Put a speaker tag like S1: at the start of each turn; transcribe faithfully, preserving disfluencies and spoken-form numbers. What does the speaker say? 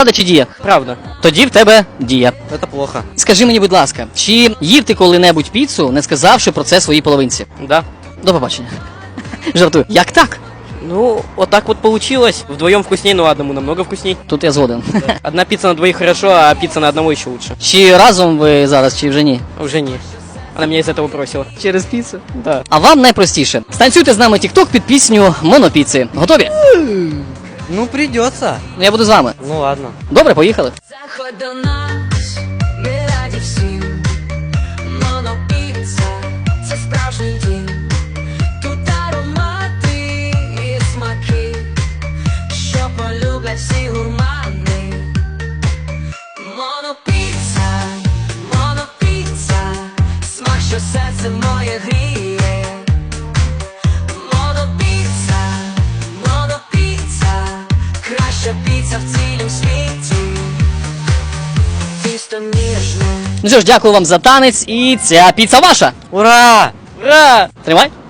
S1: Правда чи дія?
S2: Правда.
S1: Тоді в тебе дія.
S2: Это плохо.
S1: Скажи мені, будь ласка, чи їв ти коли-небудь піцу, не сказавши про це своїй половинці?
S2: Да.
S1: До побачення. Жартую. Як так?
S2: Ну, вот так вот получилось. Вдвоем вкуснее, но одному намного вкусней.
S1: Тут я згоден.
S2: Одна пицца на двоих хорошо, а пицца на одного еще лучше.
S1: Чи разом ви зараз, чи вже ні?
S2: Уже не. Она меня из этого бросила.
S1: Через піцу?
S2: Да.
S1: А вам найпростіше. Станцюйте з нами тік-ток під пісню «Монопіци». Готові?
S3: Ну, придется.
S1: Ну, я буду з вами.
S3: Ну, ладно.
S1: Добре, поїхали.
S4: Заходь до нас, ми раді всім. Монопіца – це справжній дім. Тут аромати і смаки, що полюблять всі гурмани. Монопіца, монопіца, смак, що серце моє гріє. Монопіца, монопіца, краща піца в цілім світі. Тісто ніжне.
S1: Ну що ж, дякую вам за танець, і ця піца ваша.
S3: Ура!
S2: Ура!
S1: Тримай.